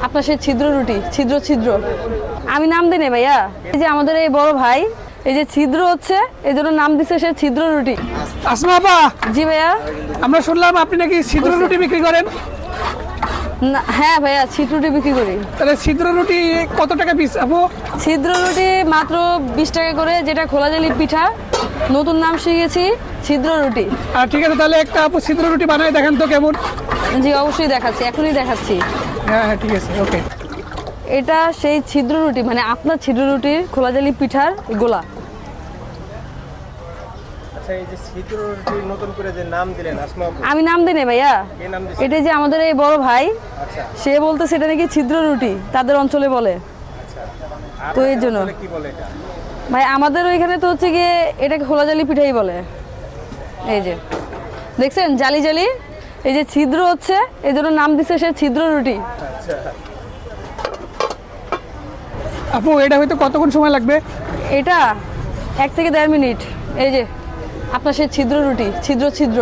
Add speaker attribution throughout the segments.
Speaker 1: আপনার সেই ছিদ্র রুটি, ছিদ্র ছিদ্র। আমি নাম দিই না ভাইয়া, এই যে আমাদের এই বড় ভাই, এই যে ছিদ্র হচ্ছে এই জন্য নাম দিছে সে ছিদ্র রুটি।
Speaker 2: আসমা আপা,
Speaker 1: জি ভাইয়া।
Speaker 2: আমরা শুনলাম আপনি নাকি ছিদ্র রুটি বিক্রি করেন।
Speaker 1: হ্যাঁ ভাইয়া, ছিদ্র রুটি বিক্রি করি।
Speaker 2: তাহলে ছিদ্র রুটি কত টাকা পিস আপু?
Speaker 1: ছিদ্র রুটি মাত্র 20 টাকা করে, যেটা খোলা জালি পিঠা, নতুন নাম শিখেছি ছিদ্র রুটি।
Speaker 2: আর ঠিক আছে, তাহলে একটা আপু ছিদ্র রুটি বানায় দেখেন তো কেমন।
Speaker 1: জি অবশ্যই দেখাচ্ছি, এখনই দেখাচ্ছি।
Speaker 2: হ্যাঁ হ্যাঁ ঠিক আছে, ওকে।
Speaker 1: এটা সেই ছিদ্র রুটি, মানে আপনার ছিদ্র রুটির খোলা জালি পিঠার গোলা।
Speaker 3: আচ্ছা, এই যে ছিদ্র রুটি নতুন করে যে নাম দিলেন আসমা আপু,
Speaker 1: আমি নাম দিই না ভাইয়া,
Speaker 3: কে নাম দিয়েছে?
Speaker 1: এটা যে আমাদের এই বড় ভাই,
Speaker 3: আচ্ছা
Speaker 1: সে বলতে সেটা নাকি ছিদ্র রুটি তাদের অঞ্চলে বলে। তো এর জন্য
Speaker 3: আপনাদের কি বলে এটা?
Speaker 1: ভাই আমাদের ওইখানে তো হচ্ছে গিয়ে এটাকে খোলা জালি পিঠাই বলে। এই যে দেখছেন জালি জালি, এই যে ছিদ্র হচ্ছে এই জন্য নাম দিছে সে ছিদ্র রুটি।
Speaker 3: আচ্ছা,
Speaker 2: আপু এটা হয়তো কতক্ষণ সময় লাগবে?
Speaker 1: এটা 1 থেকে 1.5 মিনিট। এই যে আপনার সেই ছিদ্র রুটি, ছিদ্র ছিদ্র।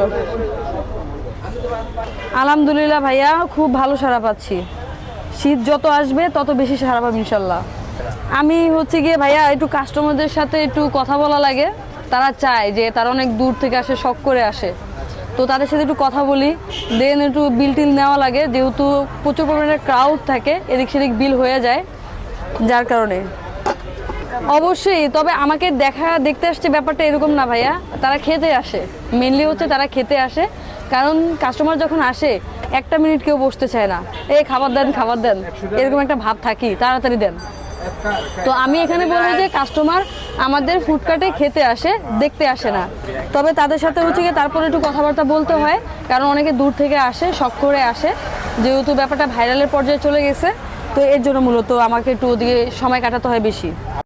Speaker 1: আলহামদুলিল্লাহ ভাইয়া, খুব ভালো সাড়া পাচ্ছি। শীত যত আসবে তত বেশি সাড়া পাবো ইনশাল্লাহ। আমি হচ্ছে গিয়ে ভাইয়া একটু কাস্টমারদের সাথে একটু কথা বলা লাগে, তারা চায় যে তারা অনেক দূর থেকে আসে, শখ করে আসে, তো তাদের সাথে একটু কথা বলি, দেন একটু বিল টিল নেওয়া লাগে, যেহেতু প্রচুর পরিমাণে ক্রাউড থাকে, এদিক সেদিক বিল হয়ে যায়, যার কারণে। অবশ্যই, তবে আমাকে দেখতে আসছে ব্যাপারটা এরকম না ভাইয়া, তারা খেতে আসে, মেনলি হচ্ছে তারা খেতে আসে। কারণ কাস্টমার যখন আসে 1 মিনিট কেউ বসতে চায় না, এই খাবার দেন খাবার দেন, এরকম একটা ভাব থাকি, তাড়াতাড়ি দেন। তো আমি এখানে বলবো যে কাস্টমার আমাদের ফুডকার্টে খেতে আসে, দেখতে আসে না। তবে তাদের সাথে হচ্ছে গিয়ে তারপরে একটু কথাবার্তা বলতে হয়, কারণ অনেকে দূর থেকে আসে, শখ করে আসে, যেহেতু ব্যাপারটা ভাইরালের পর্যায়ে চলে গেছে, তো এর জন্য মূলত আমাকে একটু ওদিকে সময় কাটাতে হয় বেশি।